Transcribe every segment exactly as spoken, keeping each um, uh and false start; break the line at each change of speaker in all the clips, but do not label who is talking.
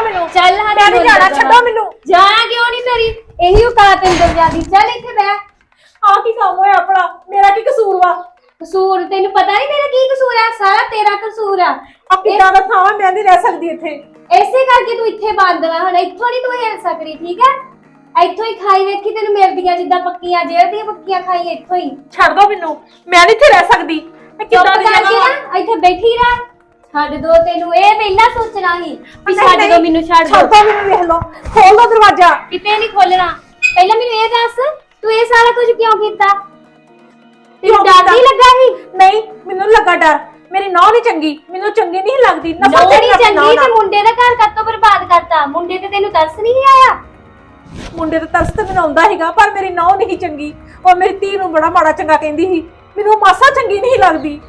ਮੈਨੂੰ
ਚੱਲ ਹਾਂ
ਮੈਂ ਨਹੀਂ ਜਾਣਾ ਛੱਡੋ ਮੈਨੂੰ
ਜਾ ਕਿਉਂ ਨਹੀਂ ਤੇਰੀ ਇਹੀ ਔਕਾਤ ਅੰਦਰ ਜਾਂਦੀ ਚੱਲ ਇੱਥੇ ਬੈ
ਆ ਕੀ ਕੰਮ ਹੋਇਆ ਆਪਣਾ ਮੇਰਾ ਕੀ ਕਸੂਰ ਵਾ
ਕਸੂਰ ਤੈਨੂੰ ਪਤਾ ਨਹੀਂ ਮੇਰਾ ਕੀ ਕਸੂਰ ਆ ਸਾਰਾ ਤੇਰਾ ਕਸੂਰ ਆ
ਆ ਕਿੱਦਾਂ ਦਾ ਥਾਂ ਮੈਂ ਨਹੀਂ ਰਹਿ ਸਕਦੀ ਇੱਥੇ
ਐਸੇ ਕਰਕੇ ਤੂੰ ਇੱਥੇ ਬੰਦ ਵਾ ਹੁਣ ਇੱਥੋਂ ਨਹੀਂ ਤੂੰ ਹਿਲ ਸਕਦੀ ਠੀਕ ਹੈ ਇੱਥੋਂ ਹੀ ਖਾਈ ਵੇਖੀ ਤੈਨੂੰ ਮਿਲਦੀਆਂ ਜਿੱਦਾਂ ਪੱਕੀਆਂ ਜੇਲ੍ਹ ਦੀਆਂ ਪੱਕੀਆਂ ਖਾਈ ਇੱਥੋਂ ਹੀ
ਛੱਡ ਦੋ ਮੈਨੂੰ ਮੈਂ ਨਹੀਂ ਇੱਥੇ ਰਹਿ ਸਕਦੀ ਮੈਂ ਕਿੱਦਾਂ ਦੀ
ਜਾਵਾਂ ਇੱਥੇ ਬੈਠੀ ਰਹਿ ਛੱਡ ਦੋ ਤੈਨੂੰ ਇਹ ਪਹਿਲਾਂ ਸੋਚਣਾ ਸੀ ਵੀ ਛੱਡ ਦੋ ਮੈਨੂੰ ਛੱਡ ਦੋ
ਛੱਡ ਦੋ ਮੈਨੂੰ ਵੇਖ ਲਓ ਖੋਲ ਦੋ ਦਰਵਾਜ਼ਾ
ਕਿਤੇ ਨਹੀਂ ਖੋਲਣਾ ਪਹਿਲਾਂ ਮੈਨੂੰ ਇਹ ਦੱਸ ਤੂੰ ਇਹ ਸਾਰਾ ਕੁਝ ਕਿਉਂ ਕੀਤਾ ਤੈਨੂੰ ਡਰ ਨਹੀਂ ਲੱਗਾ ਸੀ
ਨਹੀਂ ਮੈਨੂੰ ਲੱਗਾ ਡਰ ਮੇਰੀ ਨੌਂ ਨਹੀਂ ਚੰਗੀ ਮੈਨੂੰ ਚੰਗੀ ਨਹੀਂ ਲੱਗਦੀ
ਨੌਂ ਨਹੀਂ ਚੰਗੀ ਤੇ ਮੁੰਡੇ ਦਾ ਘਰ ਕੱਤੋਂ ਬਰਬਾਦ ਕਰਤਾ ਮੁੰਡੇ ਤੇ ਤੈਨੂੰ ਤਰਸ ਨਹੀਂ ਆਇਆ
ਮੁੰਡੇ ਤੇ ਤਰਸ ਤੇ ਮੈਨੂੰ ਆਉਂਦਾ ਹੈਗਾ ਪਰ ਮੇਰੀ ਨੌਂ ਨਹੀਂ ਚੰਗੀ ਉਹ ਮੇਰੀ ਧੀ ਨੂੰ ਬੜਾ ਮਾੜਾ ਚੰਗਾ ਕਹਿੰਦੀ ਸੀ ਮੈਨੂੰ ਮਾਸਾ ਚੰਗੀ ਨਹੀਂ ਲੱਗਦੀ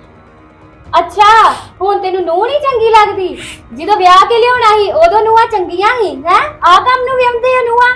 ਅੱਛਾ ਹੁਣ ਤੈਨੂੰ ਨੂੰਹ ਨਹੀਂ ਚੰਗੀ ਲੱਗਦੀ ਜਦੋਂ ਵਿਆਹ ਕੇ ਲਿਆਉਣਾ ਸੀ ਉਦੋਂ ਨੂੰਹਾਂ ਚੰਗੀਆਂ ਸੀ ਹੈ ਆ ਕੰਮ ਨੂੰ ਵਿਆਉਂਦੇ ਆ ਨੂੰਹਾਂ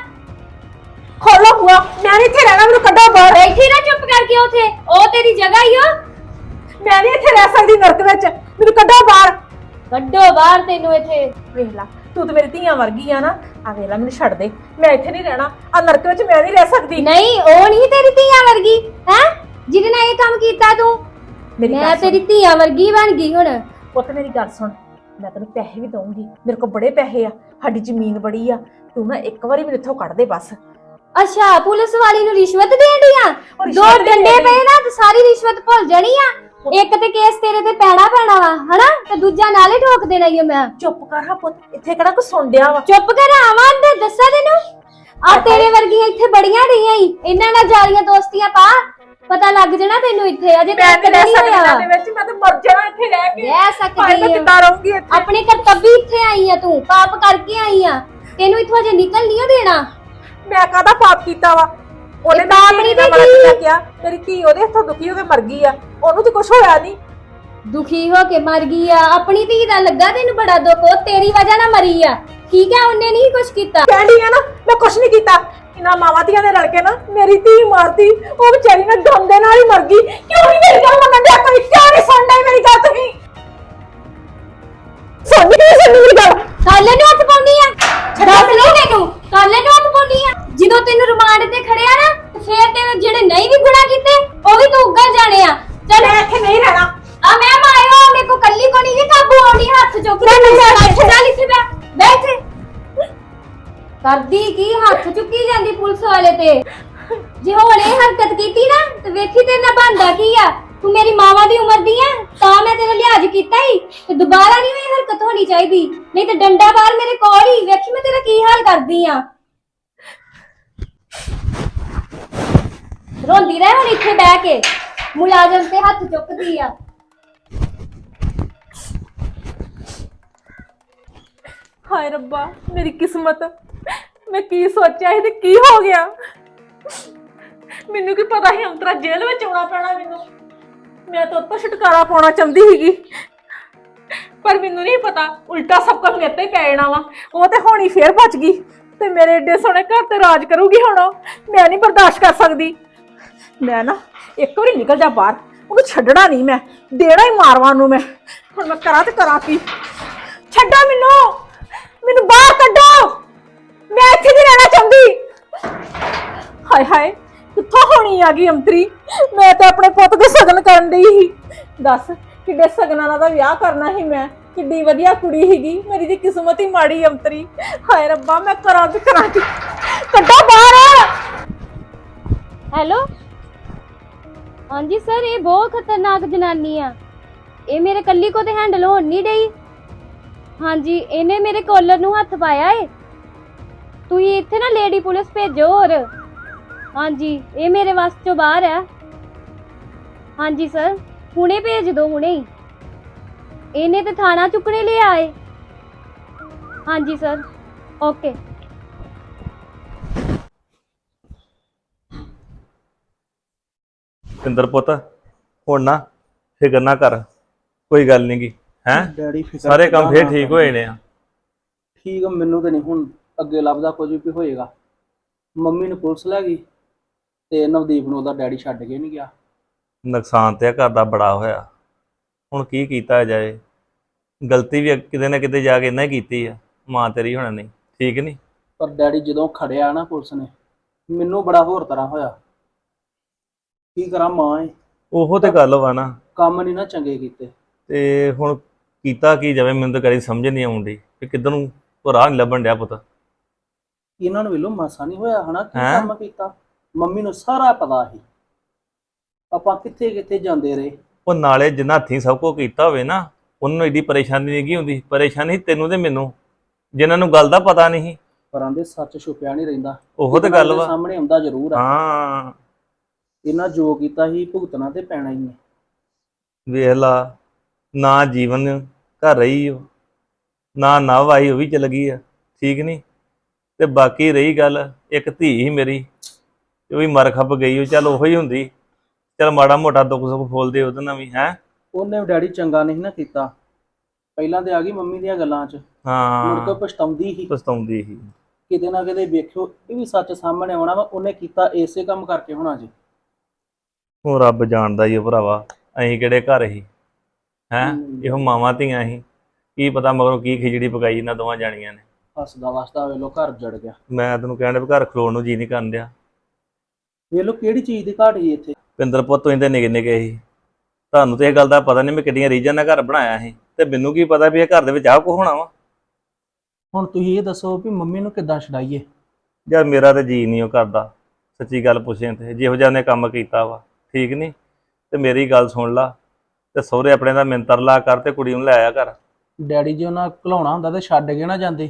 ਖੋਲੋ ਬੁਆ ਮੈਂ ਨਹੀਂ ਇੱਥੇ ਰਹਿਣਾ ਮੈਨੂੰ ਕੱਢੋ ਬਾਹਰ
ਬੈਠੀ ਨਾ ਚੁੱਪ ਕਰਕੇ ਉਥੇ ਉਹ ਤੇਰੀ ਜਗ੍ਹਾ ਹੀ ਓ
ਮੈਂ ਨਹੀਂ ਇੱਥੇ ਰਹਿ ਸਕਦੀ ਨਰਕ ਵਿੱਚ ਮੈਨੂੰ ਕੱਢੋ ਬਾਹਰ
ਕੱਢੋ ਬਾਹਰ ਤੈਨੂੰ ਇੱਥੇ
ਵੇਖ ਲੈ ਤੂੰ ਤੇ ਮੇਰੀ ਧੀਆਂ ਵਰਗੀ ਆ ਨਾ ਆ ਵੇਖ ਲੈ ਮੈਨੂੰ ਛੱਡ ਦੇ ਮੈਂ ਇੱਥੇ ਨਹੀਂ ਰਹਿਣਾ ਆ ਨਰਕ ਵਿੱਚ ਮੈਂ ਨਹੀਂ ਰਹਿ ਸਕਦੀ
ਨਹੀਂ ਉਹ ਨਹੀਂ ਤੇਰੀ ਧੀਆਂ ਵਰਗੀ ਹੈ ਜਿਹਦੇ ਨਾਲ ਇਹ ਕੰਮ ਕੀਤਾ ਤੂੰ ਮੈਂ ਤੇਰੀ ਧੀਆਂ ਵਰਗੀ ਬਣ ਗਈ ਹੁਣ
ਪੁੱਤ ਮੇਰੀ ਗੱਲ ਸੁਣ ਮੈਂ ਤੈਨੂੰ ਪੈਸੇ ਵੀ ਦਊਂਗੀ ਮੇਰੇ ਕੋਲ ਬੜੇ ਪੈਸੇ ਆ ਸਾਡੀ ਜ਼ਮੀਨ ਬੜੀ ਆ ਤੂੰ ਨਾ ਇੱਕ ਵਾਰੀ ਮੈਨੂੰ ਇੱਥੋਂ ਕੱਢ ਦੇ ਬਸ
ਅੱਛਾ ਪੁਲਿਸ ਵਾਲੀ ਨੂੰ ਰਿਸ਼ਵਤ ਦੇਣ ਦੀਆਂ ਦੋ ਡੰਡੇ ਪਏ ਨਾ ਤੇ ਸਾਰੀ ਰਿਸ਼ਵਤ ਭੁੱਲ ਜਾਣੀ ਆ ਇੱਕ ਤੇ ਕੇਸ ਤੇਰੇ ਤੇ ਪੈਣਾ ਪੈਣਾ ਵਾ ਹਨਾ ਤੇ ਦੂਜਾ ਨਾਲੇ ਠੋਕ ਦੇਣਾ ਈ ਮੈਂ
ਚੁੱਪ ਕਰ ਹਾਂ ਪੁੱਤ ਇੱਥੇ ਕਿਹੜਾ ਕੋਈ ਸੁਣ ਡਿਆ ਵਾ
ਚੁੱਪ ਕਰ ਆਵਾਂ ਤੇ ਦੱਸਾਂ ਤੈਨੂੰ ਆ ਤੇਰੇ ਵਰਗੀਆਂ ਇੱਥੇ ਬੜੀਆਂ ਰਹੀਆਂ ਈ ਇਹਨਾਂ ਨਾਲ ਜਾਲੀਆਂ ਦੋਸਤੀਆਂ ਪਾ ਪਤਾ ਲੱਗ ਜਾਣਾ ਤੈਨੂੰ ਇੱਥੇ ਅਜੇ ਤੱਕ ਨਹੀਂ ਹੋਇਆ
ਦੇ ਵਿੱਚ ਮੈਂ ਤਾਂ ਮਰ ਜਾਣਾ ਇੱਥੇ ਰਹਿ ਕੇ
ਰਹਿ ਸਕਦੀ
ਮੈਂ ਕਿੱਦਾਂ ਰਹੂੰਗੀ ਇੱਥੇ
ਆਪਣੇ ਕਰਤੱਵੀ ਇੱਥੇ ਆਈ ਆ ਤੂੰ ਪਾਪ ਕਰਕੇ ਆਈ ਆ ਤੈਨੂੰ ਇੱਥੋਂ ਅਜੇ ਨਿਕਲ ਨਹੀਂ ਦੇਣਾ
ਮੈਂ ਕਾਹਦਾ ਪਾਪ ਕੀਤਾ ਵਾ ਉਹਨੇ ਤਾਂ ਆਪਣੀ ਤੇ ਕੀ ਕਿਹਾ ਤੇਰੀ ਧੀ ਉਹਦੇ ਹੱਥੋਂ ਦੁਖੀ ਹੋ ਕੇ ਮਰ ਗਈ ਆ ਉਹਨੂੰ ਤੇ ਕੁਝ ਹੋਇਆ ਨਹੀਂ
ਦੁਖੀ ਹੋ ਕੇ ਮਰ ਗਈ ਆ ਆਪਣੀ ਧੀ ਦਾ ਲੱਗਾ ਤੈਨੂੰ ਬੜਾ ਦੁੱਖ ਉਹ ਤੇਰੀ ਵਜ੍ਹਾ ਨਾਲ ਮਰੀ ਆ ਠੀਕ ਹੈ ਉਹਨੇ ਨਹੀਂ ਕੁਝ ਕੀਤਾ
ਕਹਿੰਦੀ ਆ ਨਾ ਮੈਂ ਕੁਝ ਨਹੀਂ ਕੀਤਾ ਇਹਨਾਂ ਮਾਵਾਂ ਧੀਆਂ ਨੇ ਰਲ ਕੇ ਨਾ ਮੇਰੀ ਧੀ ਮਾਰਤੀ ਉਹ ਵਿਚਾਰੀ ਨਾ ਦਮ ਦੇ ਨਾਲ ਹੀ ਮਰ ਗਈ ਕਿਉਂ ਨਹੀਂ ਮੇਰੀ ਗੱਲ ਮੰਨਣ ਦਿਆ ਕੋਈ ਕਿਉਂ ਨਹੀਂ ਸੁਣਦਾ ਮੇਰੀ ਗੱਲ ਤੁਸੀਂ ਸੁਣਨੀ ਨਹੀਂ ਸੁਣਨੀ ਮੇਰੀ ਗੱਲ
ਕਾਲੇ ਨੂੰ ਹੱਥ ਪਾਉਣੀ ਆ ਦੱਸ ਨਹੀਂ ਤੈਨੂੰ ਕਾਲੇ ਨੂੰ ਹੱਥ ਪਾਉਣੀ ਆ ਜਦੋਂ ਤੈਨੂੰ ਰਿਮਾਂਡ ਤੇ ਖੜਿਆ ਨਾ ਫੇਰ ਤੇਰੇ ਜਿਹੜੇ ਨਹੀਂ ਵੀ ਗੁਨਾਹ ਕੀਤੇ ਉਹ ਵੀ ਤੂੰ ਉੱਗਲ ਜਾਣੇ ਆ ਚੱਲ
ਮੈਂ ਇੱਥੇ ਨਹੀਂ ਰਹਿਣਾ
ਆ ਮੈਂ ਮਾਇਓ ਮੇਰੇ ਕੋ ਕੱਲੀ ਕੋ ਨਹੀਂ ਕਾਬੂ ਆਉਣੀ ਹੱਥ ਚੁੱਕ ਲੈ ਚੱਲ ਇੱਥੇ ਬੈ ਬੈਠ ਕਰਦੀ ਕੀ ਹੱਥ ਚੁੱਕੀ ਜਾਂਦੀ ਪੁਲਿਸ ਵਾਲੇ ਤੇ ਜੇ ਹੁਣ ਇਹ ਹਰਕਤ ਕੀਤੀ ਨਾ ਤੇ ਵੇਖੀ ਤੇਰੇ ਨਾਲ ਬਣਦਾ ਕੀ ਆ ਤੂੰ ਮੇਰੀ ਮਾਵਾ ਦੀ ਉਮਰ ਦੀ ਆ ਤਾਂ ਮੈਂ ਤੇਰਾ ਲਿਹਾਜ਼ ਕੀਤਾ ਹੀ ਤੇ ਦੁਬਾਰਾ ਨਹੀਂ ਇਹ ਹਰਕਤ ਹੋਣੀ ਚਾਹੀਦੀ ਨਹੀਂ ਤੇ ਡੰਡਾ ਬਾਹਰ ਮੇਰੇ ਕੋਲ ਹੀ ਵੇਖੀ ਮੈਂ ਤੇਰਾ ਕੀ ਹਾਲ ਕਰਦੀ ਆ ਰੋਂਦੀ ਰਹਿ ਹੁਣ ਇੱਥੇ ਬਹਿ ਕੇ ਮੁਲਾਜ਼ਮ ਤੇ ਹੱਥ ਚੁੱਕਦੀ ਆ
ਹਾਏ ਰੱਬਾ ਮੇਰੀ ਕਿਸਮਤ ਮੈਂ ਕੀ ਸੋਚਿਆ ਸੀ ਤੇ ਕੀ ਹੋ ਗਿਆ ਮੈਨੂੰ ਕੀ ਪਤਾ ਸੀ ਅੰਤਰਾ ਜੇਲ੍ਹ ਵਿੱਚ ਆਉਣਾ ਪੈਣਾ ਮੈਨੂੰ ਮੈਂ ਤਾਂ ਉੱਤੋਂ ਛੁਟਕਾਰਾ ਪਾਉਣਾ ਚਾਹੁੰਦੀ ਸੀਗੀ ਪਰ ਮੈਨੂੰ ਨਹੀਂ ਪਤਾ ਉਲਟਾ ਸਭ ਕੁਝ ਮੇਰੇ ਤੇ ਪੈ ਜਾਣਾ ਵਾ ਉਹ ਤੇ ਹੋਣੀ ਫੇਰ ਬਚ ਗਈ ਤੇ ਮੇਰੇ ਏਡੇ ਸੋਹਣੇ ਘਰ ਤੇ ਰਾਜ ਕਰੂਗੀ ਹੁਣ ਮੈਂ ਨਹੀਂ ਬਰਦਾਸ਼ਤ ਕਰ ਸਕਦੀ ਮੈਂ ਨਾ ਇੱਕ ਵਾਰੀ ਨਿਕਲ ਜਾ ਬਾਹਰ ਉਹਨੂੰ ਛੱਡਣਾ ਨਹੀਂ ਮੈਂ ਦੇਣਾ ਹੀ ਮਾਰਵਾਂ ਨੂੰ ਮੈਂ ਹੁਣ ਮੈਂ ਕਰਾਂ ਤੇ ਕਰਾਂ ਕੀ ਛੱਡੋ ਮੈਨੂੰ ਮੈਨੂੰ ਬਾਹਰ ਕੱਢੋ ਮੈਂ ਇੱਥੇ ਨਹੀਂ ਰਹਿਣਾ ਚਾਹੁੰਦੀ ਹਾਏ ਹਾਏ ਕਿੱਥੋਂ ਹੋਣੀ ਆ ਗਈ ਅੰਤਰੀ ਮੈਂ ਤਾਂ ਆਪਣੇ ਪੁੱਤ ਦੇ ਸਗਨ ਕਰਨ ਡਈ ਸੀ ਦੱਸ ਕਿੱਡੇ ਸਗਨਾਂ ਨਾਲ ਦਾ ਵਿਆਹ ਕਰਨਾ ਸੀ ਮੈਂ ਕਿੱਡੀ ਵਧੀਆ ਕੁੜੀ ਸੀਗੀ ਮੇਰੀ ਦੀ ਕਿਸਮਤ ਹੀ ਮਾੜੀ ਅੰਤਰੀ ਹਾਏ ਰੱਬਾ ਮੈਂ ਕਰਾਂ ਤੇ ਕਰਾਂ ਕੀ ਕੱਢੋ ਬਾਹਰ
ਹੈਲੋ ਹਾਂਜੀ ਸਰ ਇਹ ਬਹੁਤ ਖਤਰਨਾਕ ਜਨਾਨੀ ਆ ਇਹ ਮੇਰੇ ਕੱਲੀ ਕੋ ਤੇ ਹੈਂਡਲ ਹੋਣ ਨਹੀਂ ਡਈ ਹਾਂਜੀ ਇਹਨੇ ਮੇਰੇ ਕਾਲਰ ਨੂੰ ਹੱਥ ਪਾਇਆ ਏ ਤੁਸੀਂ ਇੱਥੇ ਨਾ ਲੇਡੀ ਪੁਲਿਸ ਭੇਜੋ ਹੋਰ ਹਾਂਜੀ ਇਹ ਮੇਰੇ ਵੱਸ ਚੋਂ ਬਾਹਰ ਆ ਹਾਂਜੀ ਸਰ ਹੁਣੇ ਭੇਜ ਦਿਓ ਹੁਣੇ ਹੀ ਇਹਨੇ ਤੇ ਥਾਣਾ ਚੁੱਕਣੇ ਲਈ ਆਏ ਹਾਂਜੀ ਸਰ ਓਕੇ
ਪਿੰਦਰ ਪੁੱਤ ਹੁਣ ਨਾ ਫਿਕਰ ਨਾ ਕਰ ਕੋਈ ਗੱਲ ਨਹੀਂ ਗੀ ਹੈ
ਡੈਡੀ ਫਿਕਰ
ਸਾਰੇ ਕੰਮ ਫੇਰ ਠੀਕ ਹੋਏ ਨੇ ਆ
ਠੀਕ ਆ ਮੈਨੂੰ ਤੇ ਨਹੀਂ ਹੁਣ ਅੱਗੇ ਲੱਭਦਾ ਕੁਝ ਵੀ ਹੋਏਗਾ ਮੰਮੀ ਨੂੰ ਪੁਲਿਸ ਲੈ ਗਈ ਤੇ ਨਵਦੀਪ ਨੂੰ ਉਹਦਾ ਡੈਡੀ ਛੱਡ ਕੇ ਨਹੀਂ ਗਿਆ
ਨੁਕਸਾਨ ਤੇ ਘਰ ਦਾ ਬੜਾ ਹੋਇਆ ਹੁਣ ਕੀ ਕੀਤਾ ਜਾਏ ਗਲਤੀ ਵੀ ਕਿਤੇ ਨਾ ਕਿਤੇ ਜਾ ਕੇ ਇਹਨਾਂ ਹੀ ਕੀਤੀ ਆ ਮਾਂ ਤੇਰੀ ਹੋਣਾ ਨਹੀਂ, ਠੀਕ ਨਹੀਂ।
ਪਰ ਡੈਡੀ ਜਦੋਂ ਖੜਿਆ ਨਾ ਪੁਲਿਸ ਨੇ, ਮੈਨੂੰ ਬੜਾ ਹੋਰ ਤਰ੍ਹਾਂ ਹੋਇਆ। ਕੀ ਕਰਾਂ, ਮਾਂ ਏ,
ਉਹੋ ਤੇ ਗੱਲ ਵਾ ਨਾ।
ਕੰਮ ਨਹੀਂ ਨਾ ਚੰਗੇ ਕੀਤੇ।
ਤੇ ਹੁਣ ਕੀਤਾ ਕੀ ਜਾਵੇ, ਮੈਨੂੰ ਤਾਂ ਕਦੀ ਸਮਝ ਨਹੀਂ ਆਉਂਦੀ ਕਿ ਕਿੱਧਰ ਨੂੰ ਉਹ ਰਾਹ ਨਹੀਂ ਲੱਭਣ ਡਿਆ ਪੁੱਤ।
ਇਹਨਾਂ ਨੂੰ ਵੇਲੋ ਮਾਸਾ ਨਹੀਂ ਹੋਇਆ ਹਨਾ ਕੀ
ਹੈਂ?
ਕੰਮ ਕੀਤਾ। ਮੰਮੀ ਨੂੰ ਸਾਰਾ ਪਤਾ ਸੀ ਆਪਾਂ ਕਿੱਥੇ ਕਿੱਥੇ ਜਾਂਦੇ ਰਹੇ।
ਉਹ ਨਾਲੇ ਜਿੰਨਾ ਹੱਥੀਂ ਸਭ ਕੁਝ ਕੀਤਾ ਹੋਵੇ ਨਾ, ਉਹਨਾਂ ਨੂੰ ਏਡੀ ਪਰੇਸ਼ਾਨੀ ਨਹੀਂ ਗੀ ਹੁੰਦੀ। ਪਰੇਸ਼ਾਨੀ ਤੈਨੂੰ ਤੇ ਮੈਨੂੰ, ਜਿਨ੍ਹਾਂ ਨੂੰ ਗੱਲ ਦਾ ਪਤਾ ਨਹੀਂ।
ਪਰ ਆਂਦੇ ਸੱਚ ਛੁਪਿਆ ਨਹੀਂ ਰਹਿੰਦਾ।
ਉਹੋ ਤੇ ਗੱਲ ਵਾ।
ਸਾਹਮਣੇ ਆਉਂਦਾ ਜ਼ਰੂਰ ਆ।
ਹਾਂ
ਇਹਨਾਂ ਜੋ ਕੀਤਾ ਸੀ ਭੁਗਤਣਾ ਤੇ ਪੈਣਾ ਹੀ ਹੈ।
ਵੇਖ ਲਾ, ਨਾ ਜੀਵਨ ਘਰ ਰਹੀ ਉਹ, ਨਾ ਨਵ ਆਈ, ਉਹ ਵੀ ਚਲ ਗਈ ਆ, ਠੀਕ ਨਹੀਂ। ਤੇ ਬਾਕੀ ਰਹੀ ਗੱਲ, ਇੱਕ ਧੀ ਸੀ ਮੇਰੀ, ਉਹ ਵੀ ਮਰ ਖੱਪ ਗਈ। ਉਹ ਚੱਲ ਉਹੀ ਹੁੰਦੀ, ਚੱਲ ਮਾੜਾ ਮੋਟਾ ਦੁੱਖ ਸੁੱਖ ਫੋਲਦੇ ਉਹਦੇ ਨਾਲ ਵੀ। ਹੈ
ਉਹਨੇ ਡੈਡੀ ਚੰਗਾ ਨਹੀਂ ਨਾ ਕੀਤਾ। ਪਹਿਲਾਂ ਤੇ ਆ ਗਈ ਮੰਮੀ ਦੀਆਂ ਗੱਲਾਂ 'ਚ, ਮੁੜ ਕੇ
ਹਾਂ,
ਪਛਤਾਉਂਦੀ ਸੀ।
ਪਛਤਾਉਂਦੀ ਸੀ।
ਕਿਤੇ ਨਾ ਕਿਤੇ ਵੇਖਿਓ ਇਹ ਵੀ ਸੱਚ ਸਾਹਮਣੇ ਆਉਣਾ ਵਾ। ਉਹਨੇ ਕੀਤਾ ਇਸੇ ਕੰਮ ਕਰਕੇ ਹੋਣਾ ਜੀ।
ਉਹ ਰੱਬ ਜਾਣਦਾ ਹੀ ਉਹ ਭਰਾਵਾ, ਅਸੀਂ ਕਿਹੜੇ ਘਰ ਸੀ। ਹੈਂ,
ਹਮ।
ਇਹੋ ਮਾਵਾਂ ਧੀਆਂ ਸੀ, ਕੀ ਪਤਾ ਮਗਰੋਂ ਕੀ ਖਿਚੜੀ ਪਕਾਈ ਇਹਨਾਂ ਦੋਵਾਂ ਜਾਣੀਆਂ ਨੇ।
ਹੱਸਦਾ ਵਸਦਾ ਵੇਲੋ ਘਰ ਜੜ ਗਿਆ।
ਮੈਂ ਤੈਨੂੰ ਕਹਿਣ ਡਿਆ ਵੀ ਘਰ ਖਲੋਣ ਨੂੰ ਜੀ ਨਹੀਂ ਕਰਨ ਡਿਆ।
ਵੇਲੋ ਕਿਹੜੀ ਚੀਜ਼ ਦੀ ਘਾਟ ਸੀ ਇੱਥੇ।
ਪਿੰਦਰ ਪੁੱਤ ਤੁਸੀਂ ਤੇ ਨਿੱਕੇ ਨਿੱਕੇ ਸੀ, ਤੁਹਾਨੂੰ ਤੇ ਇਹ ਗੱਲ ਦਾ ਪਤਾ ਨਹੀਂ ਮੈਂ ਕਿੰਨੀਆਂ ਰੀਝਾਂ ਨਾਲ ਘਰ ਬਣਾਇਆ ਸੀ, ਤੇ ਮੈਨੂੰ ਕੀ ਪਤਾ ਵੀ ਇਹ ਘਰ ਦੇ ਵਿੱਚ ਆਹ ਕੁਛ ਹੋਣਾ ਵਾ।
ਹੁਣ ਤੁਸੀਂ ਇਹ ਦੱਸੋ ਵੀ ਮੰਮੀ ਨੂੰ ਕਿੱਦਾਂ ਛਡਾਈਏ।
ਯਾਰ ਮੇਰਾ ਤੇ ਜੀ ਨਹੀਂ ਉਹ ਕਰਦਾ, ਸੱਚੀ ਗੱਲ ਪੁੱਛੇ ਤੇ ਜਿਹੋ ਜਿਹਾ ਨੇ ਕੰਮ ਕੀਤਾ ਵਾ, ਠੀਕ ਨਹੀਂ। ਤੇ ਮੇਰੀ ਗੱਲ ਸੁਣ ਲਾ, ਤੇ ਸਹੁਰੇ ਆਪਣੇ ਦਾ ਮਿੰਤਰ ਲਾ ਕਰ ਤੇ ਕੁੜੀ ਨੂੰ ਲੈ ਆਇਆ ਕਰ।
ਡੈਡੀ ਜੀ ਉਹਨਾਂ ਘਲਾਉਣਾ ਹੁੰਦਾ ਤੇ ਛੱਡ ਕੇ ਨਾ ਜਾਂਦੇ।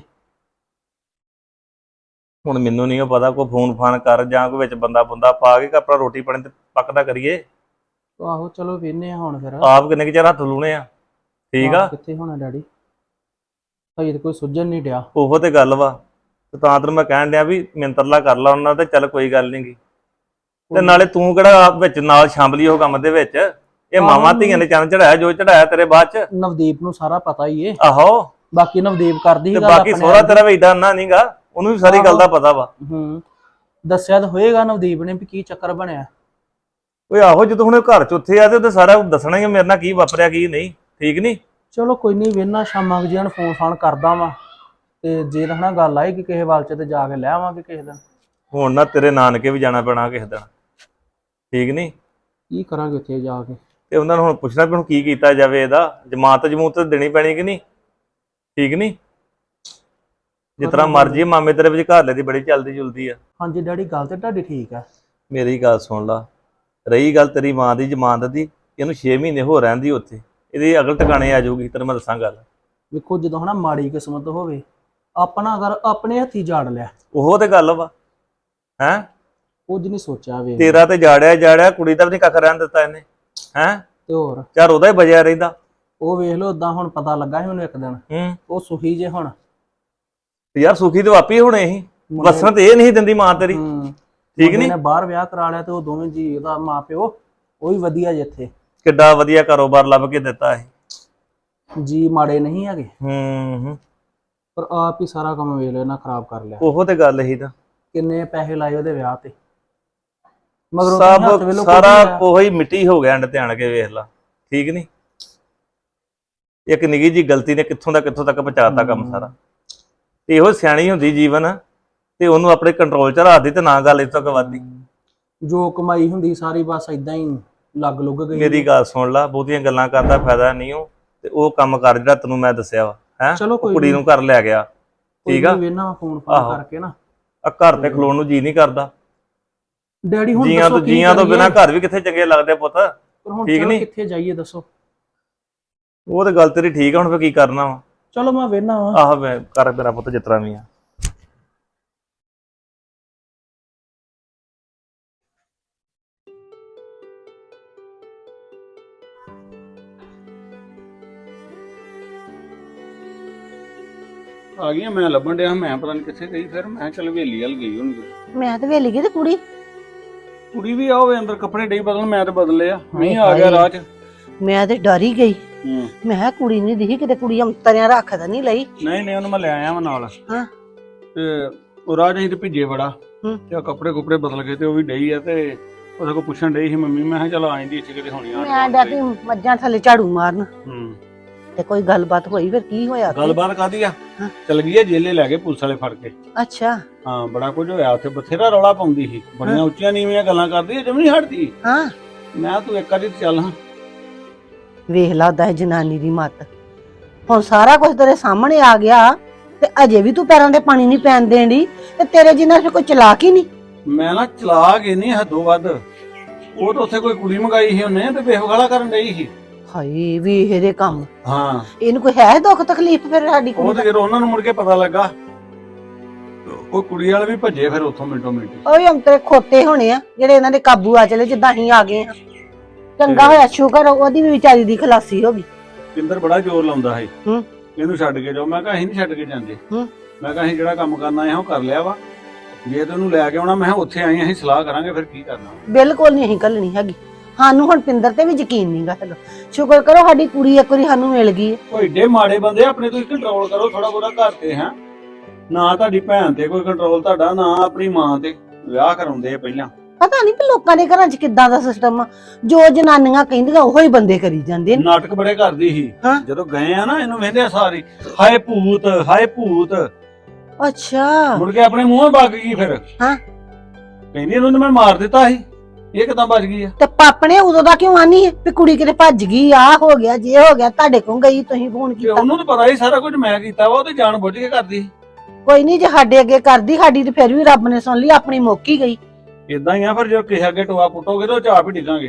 ਹੁਣ ਮੈਨੂੰ ਨਹੀਂ ਪਤਾ, ਕੋਈ ਫੋਨ ਫਾਨ ਕਰ ਜਾਂ ਕੋਈ ਵਿੱਚ ਬੰਦਾ ਬੰਦਾ ਪਾ ਕੇ ਆਪਣਾ ਰੋਟੀ ਪਾਣੀ ਤੇ ਪੱਕਦਾ ਕਰੀਏ।
ਆਹੋ ਚਲੋ ਵੇਹਨੇ ਆ ਹੁਣ ਫਿਰ।
ਆਪ ਕਿੰਨੇ ਕੁ ਚਿਰ ਹੱਥ ਲੂਣੇ ਆ, ਠੀਕ ਆ।
ਆਹ ਕਿੱਥੇ ਹੋਣਾ ਡੈਡੀ, ਹਜੇ ਤਾਂ ਕੋਈ ਸੁੱਝਣ ਨਹੀਂ ਡਿਆ।
ਉਹੋ ਤੇ ਗੱਲ ਵਾ, ਤੇ ਤਾਂ ਤੈਨੂੰ ਮੈਂ ਕਹਿਣ ਡਿਆ ਵੀ ਮਿੰਤਰਲਾ ਕਰ ਲਾ ਉਹਨਾਂ ਤੇ, ਚੱਲ ਕੋਈ ਗੱਲ ਨੀ ਗੀ। ਤੇ ਨਾਲੇ ਤੂੰ ਕਿਹੜਾ ਆਪ ਵਿੱਚ ਨਾਲ ਸ਼ਾਮਲੀ ਉਹ ਕੰਮ ਦੇ ਵਿੱਚ, ਇਹ ਮਾਵਾਂ ਧੀਆਂ ਨੇ ਚੰਨ ਚੜਾਇਆ ਜੋ ਚੜਾਇਆ ਤੇਰੇ ਬਾਅਦ ਚ।
ਨਵਦੀਪ ਨੂੰ ਸਾਰਾ ਪਤਾ ਹੀ ਏ।
ਆਹੋ,
ਬਾਕੀ ਨਵਦੀਪ ਕਰਦੀ
ਤੇ
ਸੀ ਗੱਲ
ਬਾਕੀ
ਆਪਣੇ
ਸੋਹਰਾ
ਆਪ।
ਤੇਰਾ ਵੀ ਏਡਾ ਨਾ ਨਹੀਂਗਾ, ਉਹਨੂੰ ਵੀ ਸਾਰੀ ਗੱਲ ਦਾ ਪਤਾ ਵਾ।
ਹੂੰ, ਦੱਸਿਆ ਤਾਂ ਹੋਏਗਾ ਨਵਦੀਪ ਨੇ ਵੀ ਕੀ ਚੱਕਰ ਬਣਿਆ।
ਓਏ ਆਹੋ, ਜਦੋਂ ਹੁਣ ਘਰ ਚ ਉੱਥੇ ਆ ਤੇ ਉਹਦੇ ਸਾਰਾ ਦੱਸਣਾ ਹੀ ਆ ਮੇਰੇ ਨਾਲ ਕੀ ਵਾਪਰਿਆ ਕੀ ਨਹੀਂ, ਠੀਕ ਨਹੀਂ।
ਚਲੋ ਕੋਈ ਨਹੀਂ, ਵੇਹਨਾ ਸ਼ਾਮਾਂ ਕੁ ਜਿਹਾ ਨੂੰ ਫੋਨ ਫਾਨ ਕਰਦਾ ਵਾਂ, ਤੇ ਜੇ ਤਾਂ ਹਨਾ ਗੱਲ ਆਏਗੀ ਕਿਸੇ ਵੱਲ ਚ ਤੇ ਜਾ ਕੇ ਲੈ ਆਵਾਂਗੇ ਕਿਸੇ ਦਿਨ।
ਹੁਣ ਨਾ ਤੇਰੇ ਨਾਨਕੇ ਵੀ ਜਾਣਾ ਪੈਣਾ ਕਿਸੇ ਦਿਨ, ਠੀਕ ਨਹੀਂ।
ਕੀ ਕਰਾਂਗੇ ਉੱਥੇ ਜਾ ਕੇ।
ਤੇ ਉਹਨਾਂ ਨੂੰ ਹੁਣ ਪੁੱਛਣਾ ਵੀ ਹੁਣ ਕੀ ਕੀਤਾ ਜਾਵੇ, ਇਹਦਾ ਜਮਾਤ ਜਮੂਤ ਦੇਣੀ ਪੈਣੀ ਕਿ ਨਹੀਂ, ਠੀਕ ਨਹੀਂ। ਜਿਸ ਤਰ੍ਹਾਂ ਮਰਜੀ ਮਾਮੇ ਤੇਰੇ ਵਿੱਚ ਘਰ ਲੈ ਦੀ ਬੜੀ ਚੱਲਦੀ ਜੁਲਦੀ ਆ।
ਹਾਂਜੀ ਡੈਡੀ, ਗੱਲ ਤੇ ਤੁਹਾਡੀ ਠੀਕ ਆ।
ਮੇਰੀ ਗੱਲ ਸੁਣ ਲਾ, ਰਹੀ ਗੱਲ ਤੇਰੀ ਮਾਂ ਦੀ ਜ਼ਮਾਨਤ ਦੀ, ਇਹਨੂੰ ਛੇ ਮਹੀਨੇ ਹੋ ਰਹਿੰਦੀ ਉੱਥੇ, ਇਹਦੀ ਅਗਲ ਟਿਕਾਣੇ ਆ ਜਾਊਗੀ। ਤੈਨੂੰ ਮੈਂ ਦੱਸਾਂ ਗੱਲ,
ਵੇਖੋ ਜਦੋਂ ਹਨਾ ਮਾੜੀ ਕਿਸਮਤ ਹੋਵੇ, ਆਪਣਾ ਅਗਰ ਆਪਣੇ ਹੱਥੀ ਝਾੜ ਲਿਆ,
ਉਹੋ ਤੇ ਗੱਲ ਵਾ। ਹੈਂ,
ਕੁਝ ਨਹੀਂ ਸੋਚਿਆ ਵੇ।
ਤੇਰਾ ਤੇ ਜਾੜਿਆ ਜਾੜਿਆ, ਕੁੜੀ ਦਾ ਵੀ ਨਹੀਂ ਕੱਖ ਰਹਿਣ ਦਿੱਤਾ ਇਹਨੇ। ਹੈਂ,
ਤੇ ਹੋਰ
ਚਾਰ ਉਹਦਾ ਹੀ ਬਜਿਆ ਰਹਿੰਦਾ।
ਉਹ ਵੇਖ ਲਓ, ਓਦਾਂ ਹੁਣ ਪਤਾ ਲੱਗਾ ਸੀ ਮੈਨੂੰ ਇੱਕ ਦਿਨ,
ਹੂੰ,
ਉਹ ਸੁਖੀ ਜੇ ਹੁਣ।
ਤੇ ਯਾਰ ਸੁਖੀ ਤੇ ਵਾਪੀ ਹੋਣੇ ਸੀ, ਵਸਣ ਤੇ ਇਹ ਨਹੀਂ ਦਿੰਦੀ ਮਾਂ ਤੇਰੀ,
ਹੂੰ,
ਠੀਕ ਨਹੀਂ।
ਨੇ ਬਾਹਰ ਵਿਆਹ ਕਰਾ ਲਿਆ ਤੇ ਉਹ ਦੋਵੇਂ ਜੀ, ਉਹਦਾ ਮਾਂ ਪਿਓ ਉਹ ਵੀ ਵਧੀਆ ਜਿੱਥੇ।
ਕਿੱਡਾ ਵਧੀਆ ਕਾਰੋਬਾਰ ਲੱਭ ਕੇ ਦਿੱਤਾ ਇਹ।
ਜੀ ਮਾੜੇ ਨਹੀਂ ਹੈਗੇ,
ਹੂੰ ਹੂੰ,
ਪਰ ਆਪ ਹੀ ਸਾਰਾ ਕੰਮ ਵੇਖ ਲਿਆ ਨਾ, ਖਰਾਬ ਕਰ ਲਿਆ।
ਉਹੋ ਤੇ ਗੱਲ ਹੀ ਤਾਂ,
ਕਿੰਨੇ ਪੈਸੇ ਲਾਏ ਉਹਦੇ ਵਿਆਹ ਤੇ, ਮਗਰ ਉਹਦੇ ਹੱਥ
ਸਭ
ਵੇਲੋ
ਸਾਰਾ ਉਹੀ ਮਿੱਟੀ ਹੋ ਗਿਆ। ਅੰਡ ਤੇ ਆਣ ਕੇ ਵੇਖ ਲਾ, ਠੀਕ ਨਹੀਂ। ਇੱਕ ਨਿੱਕੀ ਜੀ ਗਲਤੀ ਨੇ ਕਿੱਥੋਂ ਦਾ ਕਿੱਥੋਂ ਤੱਕ ਪਹੁੰਚਾਤਾ ਕੰਮ ਸਾਰਾ। ਤੇ ਇਹੋ ਸਿਆਣੀ ਹੁੰਦੀ ਜੀਵਨ, ਤੇ ਉਹਨੂੰ ਆਪਣੇ ਕੰਟਰੋਲ ਚ ਰੱਖਦੀ ਤੇ ਨਾ ਗੱਲ ਇਸ ਤੋਂ ਵੱਧਦੀ।
ਜੋ ਕਮਾਈ ਹੁੰਦੀ ਸਾਰੀ ਬਸ ਇਦਾਂ ਹੀ ਲੱਗ ਲੁੱਗ ਗਈ।
ਮੇਰੀ ਗੱਲ ਸੁਣ ਲਾ, ਬਹੁਤੀਆਂ ਗੱਲਾਂ ਕਰਦਾ ਫਾਇਦਾ ਨਹੀਂ। ਉਹ ਤੇ ਉਹ ਕੰਮ ਕਰ ਜਿਹੜਾ ਤੈਨੂੰ ਮੈਂ ਦੱਸਿਆ ਵਾ, ਹੈ
ਚਲੋ ਕੋਈ
ਕੁੜੀ ਨੂੰ ਘਰ ਲੈ ਗਿਆ, ਠੀਕ ਆ।
ਵੇਨਾ ਫੋਨ ਫੋਨ ਕਰਕੇ ਨਾ,
ਆ ਘਰ ਤੇ ਖਲੋਣ ਨੂੰ ਜੀ ਨਹੀਂ ਕਰਦਾ।
ਡੈਡੀ ਹੁਣ
ਜੀਆਂ ਤੋਂ
ਦੱਸੋ ਕੀ
ਜੀਆਂ ਤੋਂ
ਕਰੀਏ?
ਬਿਨਾਂ ਘਰ ਵੀ ਕਿੱਥੇ ਚੰਗੇ ਲੱਗਦੇ ਪੁੱਤ,
ਪਰ ਹੁਣ
ਠੀਕ
ਚਲੋ
ਨੀ?
ਕਿੱਥੇ ਜਾਈਏ ਦੱਸੋ।
ਉਹ ਤੇ ਗੱਲ ਤੇਰੀ ਠੀਕ ਆ, ਹੁਣ ਫੇ ਕੀ ਕਰਨਾ ਵਾ।
ਚਲੋ ਮੈਂ ਵੇਨਾ ਵਾ।
ਆਹ ਮੈਂ ਕਰ ਮੇਰਾ ਪੁੱਤ ਜਿਸ ਤਰ੍ਹਾਂ ਵੀ ਆ।
ਆ ਗਈਆਂ, ਮੈਂ ਲੱਭਣ ਡਿਆ, ਮੈਂ ਪਤਾ ਨਹੀਂ ਕਿੱਥੇ ਗਈ। ਫਿਰ ਮੈਂ ਚੱਲ ਹਵੇਲੀ ਵੱਲ ਗਈ ਹੋਣੀ।
ਮੈਂ ਤੇ ਵੇਲੀ ਗਈ ਤੇ ਕੁੜੀ
ਕੁੜੀ ਵੀ ਆਵੇ ਅੰਦਰ, ਕੱਪੜੇ ਡਈ ਬਦਲਣ, ਮੈਂ ਤੇ ਬਦਲੇ ਆ। ਨਹੀਂ ਆ ਗਿਆ ਰਾਹ 'ਚ।
ਮੈਂ ਤੇ ਡਰ ਹੀ ਗਈ।
ਹੂੰ,
ਮੈਂ ਕਿਹਾ ਕੁੜੀ ਨਹੀਂ ਦਿਖੀ ਕਿਤੇ, ਕੁੜੀ ਅੰਤਰਿਆਂ ਰੱਖਦਾ ਨਹੀਂ ਲਈ।
ਨਹੀਂ ਨਹੀਂ, ਉਹਨੂੰ ਮੈਂ ਲੈ ਆਇਆ ਵਾ ਨਾਲ।
ਹਾਂ।
ਤੇ ਉਹ ਰਾਹ 'ਚ ਅਸੀਂ ਤੇ ਭਿੱਜੇ ਬੜਾ,
ਹੂੰ।
ਤੇ ਆ ਕੱਪੜੇ ਕੁਪੜੇ ਬਦਲ ਕੇ ਤੇ ਉਹ ਵੀ ਡਈ ਆ। ਤੇ ਉਹਦੇ ਕੋਲ ਪੁੱਛਣ ਡਈ ਸੀ ਮੰਮੀ, ਮੈਂ ਕਿਹਾ ਚੱਲ ਆ ਜਾਂਦੀ ਇੱਥੇ ਕਿਤੇ ਹੋਣੀ ਆ।
ਮੈਂ ਡਰਦੀ ਮੱਝਾਂ ਥੱਲੇ ਝਾੜੂ ਮਾਰਨ।
ਹੂੰ,
ਤੇ ਕੋਈ ਗੱਲਬਾਤ ਹੋਈ ਫਿਰ ਕੀ ਹੋਇਆ ਉੱਥੇ?
ਗੱਲਬਾਤ ਕਾਦੀ ਆ
ਹਾਂ।
ਚਲ ਗਈ ਆ ਜੇਲੇ ਲੈ ਕੇ ਪੁਲਿਸ ਵਾਲੇ ਫੜ ਕੇ।
ਅੱਛਾ
ਹਾਂ ਬੜਾ ਕੁਝ ਹੋਇਆ ਉੱਥੇ, ਬਥੇਰਾ ਰੌਲਾ ਪਾਉਂਦੀ ਸੀ, ਬੜੀਆਂ
ਹਾਂ।
ਉੱਚੀਆਂ ਨੀਵੀਆਂ ਗੱਲਾਂ ਕਰਦੀ ਜਮ ਨਹੀਂ ਹਟਦੀ।
ਹਾਂ
ਮੈਂ ਤੂੰ ਇੱਕ ਵਾਰੀ ਤੇ ਚੱਲ ਹਾਂ।
ਵੇਖ ਲਾ ਉਹਦਾ ਇਹ ਜਨਾਨੀ ਦੀ ਮੱਤ। ਹੁਣ ਸਾਰਾ ਕੁਝ ਤੇਰੇ ਸਾਹਮਣੇ ਆ ਗਿਆ ਤੇ ਅਜੇ ਵੀ ਤੂੰ ਪੈਰਾਂ ਦੇ ਪਾਣੀ ਨਹੀਂ ਪੈਣ ਦੇਣੀ ਤੇ ਤੇਰੇ ਜਿੰਨਾ ਫਿਰ ਕੋਈ ਚਲਾਕ ਹੀ ਨਹੀਂ।
ਮੈਂ ਨਾ ਚਲਾ ਕੇ ਨਹੀਂ ਹੱਦੋਂ ਵੱਧ। ਉਹ ਤਾਂ ਉੱਥੇ ਕੋਈ ਕੁੜੀ ਮੰਗਾਈ ਸੀ ਉਹਨੇ ਤੇ ਬੇਵਗਾਲਾ ਕਰਨ ਡਈ ਸੀ।
ਹਾਏ ਵੇਖ ਇਹਦੇ ਕੰਮ।
ਹਾਂ
ਇਹਨੂੰ ਕੋਈ ਹੈ ਦੁੱਖ ਤਕਲੀਫ ਫਿਰ ਸਾਡੀ
ਉਹ
ਕੁੜੀ
ਤੇ ਜਦੋਂ ਉਹਨਾਂ ਨੂੰ ਮੁੜ ਕੇ ਪਤਾ ਲੱਗਾ ਉਹ ਕੁੜੀ ਵਾਲੇ ਵੀ ਭੱਜੇ ਫਿਰ ਉੱਥੋਂ ਮਿੰਟੋ ਮਿੰਟ।
ਓਏ ਅੰਤਰੇ ਖੋਤੇ ਹੋਣੇ ਆ ਜਿਹੜੇ ਇਹਨਾਂ ਦੇ ਕਾਬੂ ਆ ਚਲੇ ਜਿੱਦਾਂ ਅਸੀਂ ਆ ਗਏ ਆ। ਚੰਗਾ ਹੋਇਆ ਸ਼ੁਕਰ ਉਹਦੀ ਵੀ ਵਿਚਾਰੀ ਦੀ ਖਲਾਸੀ ਹੋ ਗਈ।
ਪਿੰਦਰ ਬੜਾ ਜ਼ੋਰ ਲਾਉਂਦਾ ਸੀ
ਹੂੰ।
ਇਹਨੂੰ ਛੱਡ ਕੇ ਜਾਓ। ਮੈਂ ਕਿਹਾ ਅਸੀਂ ਨਹੀਂ ਛੱਡ ਕੇ ਜਾਂਦੇ।
ਹੂੰ।
ਮੈਂ ਕਿਹਾ ਅਸੀਂ ਜਿਹੜਾ ਕੰਮ ਕਰਨਾ ਹੈ ਉਹ ਕਰ ਲਿਆ ਵਾ। ਜੇ ਤੈਨੂੰ ਲੈ ਕੇ ਆਉਣਾ ਮੈਂ ਕਿਹਾ ਉੱਥੇ ਆਏ ਅਸੀਂ ਸਲਾਹ ਕਰਾਂਗੇ ਫਿਰ ਕੀ ਕਰਨਾ।
ਬਿਲਕੁਲ ਨਹੀਂ ਅਸੀਂ ਘੱਲਣੀ ਹੈਗੀ। ਸਾਨੂੰ ਹੁਣ ਪਿੰਦਰ ਤੇ ਵੀ ਯਕੀਨ ਨਹੀਂਗਾ ਹੈਗਾ। ਸ਼ੁਕਰ ਕਰੋ ਸਾਡੀ ਕੁੜੀ ਇੱਕ ਵਾਰੀ ਸਾਨੂੰ ਮਿਲ ਗਈ।
ਉਹ ਏਡੇ ਮਾੜੇ ਬੰਦੇ ਆਪਣੇ ਤੁਸੀਂ ਕੰਟਰੋਲ ਕਰੋ ਥੋੜਾ ਬਹੁਤਾ ਘਰ ਤੇ। ਹੈ ਨਾ ਤੁਹਾਡੀ ਭੈਣ ਤੇ ਕੋਈ ਕੰਟਰੋਲ ਤੁਹਾਡਾ, ਨਾ ਆਪਣੀ ਮਾਂ ਤੇ। ਵਿਆਹ ਕਰਾਉਂਦੇ ਆ ਪਹਿਲਾਂ।
ਪਤਾ ਨਹੀਂ ਵੀ ਲੋਕਾਂ ਦੇ ਘਰਾਂ 'ਚ ਕਿੱਦਾਂ ਦਾ ਸਿਸਟਮ ਆ। ਜੋ ਜਨਾਨੀਆਂ ਕਹਿੰਦੀਆਂ ਉਹੋ ਹੀ ਬੰਦੇ ਕਰੀ ਜਾਂਦੇ ਨੇ।
ਨਾਟਕ ਬੜੇ ਕਰਦੀ ਸੀ।
ਹਾਂ।
ਜਦੋਂ ਗਏ ਆ ਨਾ ਇਹਨੂੰ ਵੇਂਦੇ ਆ ਸਾਰੀ ਹਾਏ ਭੂਤ ਹਾਏ ਭੂਤ।
ਅੱਛਾ
ਮੁੜ ਕੇ ਆਪਣੇ ਮੂੰਹੋਂ ਵਗ ਗਈ ਫਿਰ।
ਹਾਂ।
ਕਹਿੰਦੀ ਇਹਨੂੰ ਤਾਂ ਮੈਂ ਮਾਰ ਦਿੱਤਾ ਸੀ, ਇਹ ਕਿਦਾਂ ਬਚ ਗਈ ਆ?
ਤੇ ਪਾਪਣੇ ਉਦੋਂ ਦਾ ਕਿਉਂ ਆਨੀ ਹੈ ਵੀ ਕੁੜੀ ਕਿਤੇ ਭੱਜ ਗਈ ਆ ਹੋ ਗਿਆ ਜੇ ਹੋ ਗਿਆ ਤੁਹਾਡੇ ਕੋਲ ਗਈ ਤੁਸੀਂ ਫੋਨ
ਤੇ
ਕੀਤਾ।
ਉਹਨੂੰ ਤਾਂ ਪਤਾ ਹੀ ਸਾਰਾ ਕੁਝ ਮੈਂ ਕੀਤਾ ਵਾ, ਉਹ ਤੇ ਜਾਣ ਬੁੱਝ ਕੇ ਕਰਦੀ ਸੀ।
ਕੋਈ ਨਹੀਂ ਜੇ ਸਾਡੇ ਅੱਗੇ ਕਰਦੀ ਸਾਡੀ ਤੇ ਫਿਰ ਵੀ ਰੱਬ ਨੇ ਸੁਣ ਲਈ ਆਪਣੀ ਮੌਕੀ ਗਈ।
ਇਦਾਂ ਹੀ ਆ ਫਿਰ, ਜਦੋਂ ਕਿਸੇ ਅੱਗੇ ਟੋਆ ਪੁੱਟੋਗੇ ਤਾਂ ਉਹ ਚਾਪ ਹੀ ਡਿੱਗਾਂਗੇ।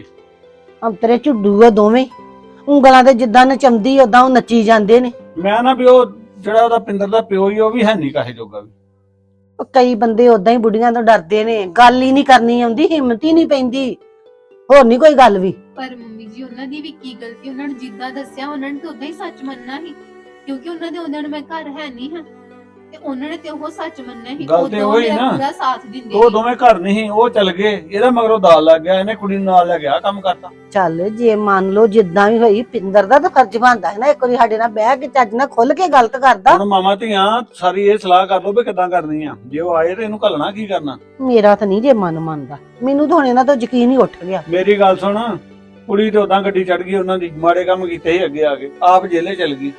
ਅੰਤਰੇ ਝੁੱਡੂ ਆ ਦੋਵੇਂ ਉਂਗਲਾਂ ਤੇ ਜਿੱਦਾਂ ਨਚੰਦੀ ਉਦਾਂ ਉਹ ਨੱਚੀ ਜਾਂਦੇ ਨੇ।
ਮੈਂ ਨਾ ਵੀ ਉਹ ਜਿਹੜਾ ਉਹਦਾ ਪਿੰਦਰ ਦਾ ਪਿਓ ਹੀ ਉਹ ਵੀ ਹੈ ਨਹੀਂ ਕਾਹੇ ਜੋਗਾ ਵੀ।
ਉਹ ਕਈ ਬੰਦੇ ਉਦਾਂ ਹੀ ਬੁੱਢੀਆਂ ਤੋਂ ਡਰਦੇ ਨੇ, ਗੱਲ ਹੀ ਨਹੀਂ ਕਰਨੀ ਆਉਂਦੀ, ਹਿੰਮਤ ਹੀ ਨਹੀਂ ਪੈਂਦੀ, ਹੋਰ ਨਹੀਂ ਕੋਈ ਗੱਲ ਵੀ।
ਪਰ ਮੰਮੀ ਜੀ ਉਹਨਾਂ ਦੀ ਵੀ ਕੀ ਗਲਤੀ, ਉਹਨਾਂ ਨੂੰ ਜਿੱਦਾਂ ਦੱਸਿਆ ਉਹਨਾਂ ਨੇ ਤਾਂ ਉਦਾਂ ਹੀ ਸੱਚ ਮੰਨਣਾ ਸੀ, ਕਿਉਂਕਿ ਉਹਨਾਂ ਦੇ ਉਹਨਾਂ ਨੂੰ ਮੈਂ ਘਰ ਹੈ ਨਹੀਂ ਹਾਂ ਤੇ ਉਹਨਾਂ ਨੇ ਤੇ ਉਹ ਸੱਚ ਮੰਨਣਾ ਸੀ।
ਗੱਲ ਤੇ
ਉਦੋਂ
ਉਹੀ
ਮੇਰਾ
ਨਾ।
ਪੂਰਾ ਸਾਥ ਦਿੰਦੇ
ਉਹ
ਸੀ।
ਦੋਵੇਂ ਘਰ ਨਹੀਂ, ਉਹ ਚੱਲ ਗਏ, ਇਹਦਾ ਮਗਰੋਂ ਦਾਲ ਲੱਗ ਗਿਆ, ਇਹਨੇ ਕੁੜੀ ਨੂੰ ਨਾਲ ਲੈ ਗਿਆ ਕੰਮ ਕਰਤਾ।
ਚੱਲ ਜੇ ਮੰਨ ਲਓ ਜਿੱਦਾਂ ਵੀ ਹੋਈ ਪਿੰਦਰ ਦਾ ਤਾਂ ਫਰਜ਼ ਬਣਦਾ ਹੈ ਨਾ ਇੱਕ ਵਾਰੀ ਸਾਡੇ ਨਾਲ ਬਹਿ ਕੇ ਚੱਜ ਨਾਲ ਖੁੱਲ ਕੇ ਗਲਤ ਕਰਦਾ।
ਹੁਣ ਮਾਮਾ ਧੀਆਂ ਸਾਰੀ ਇਹ ਸਲਾਹ ਕਰ ਲਓ ਵੀ ਕਿੱਦਾਂ ਕਰਨੀ ਆ। ਜੇ ਉਹ ਆਏ ਤੇ ਇਹਨੂੰ ਘੱਲਣਾ ਕੀ ਕਰਨਾ।
ਮੇਰਾ ਤਾਂ ਨਹੀਂ ਜੇ ਮਨ ਮੰਨਦਾ, ਮੈਨੂੰ ਤਾਂ ਹੁਣ ਇਹਨਾਂ ਤੋਂ ਯਕੀਨ ਹੀ ਉੱਠ ਗਿਆ।
ਮੇਰੀ ਗੱਲ ਸੁਣ, ਕੁੜੀ ਤੇ ਉਦਾਂ ਗੱਡੀ ਚੜ ਗਈ ਉਹਨਾਂ ਦੀ, ਮਾੜੇ ਕੰਮ ਕੀਤੇ ਸੀ ਅੱਗੇ ਆ ਕੇ, ਆਪ ਜੇਲੇ ਚਲ ਗਈ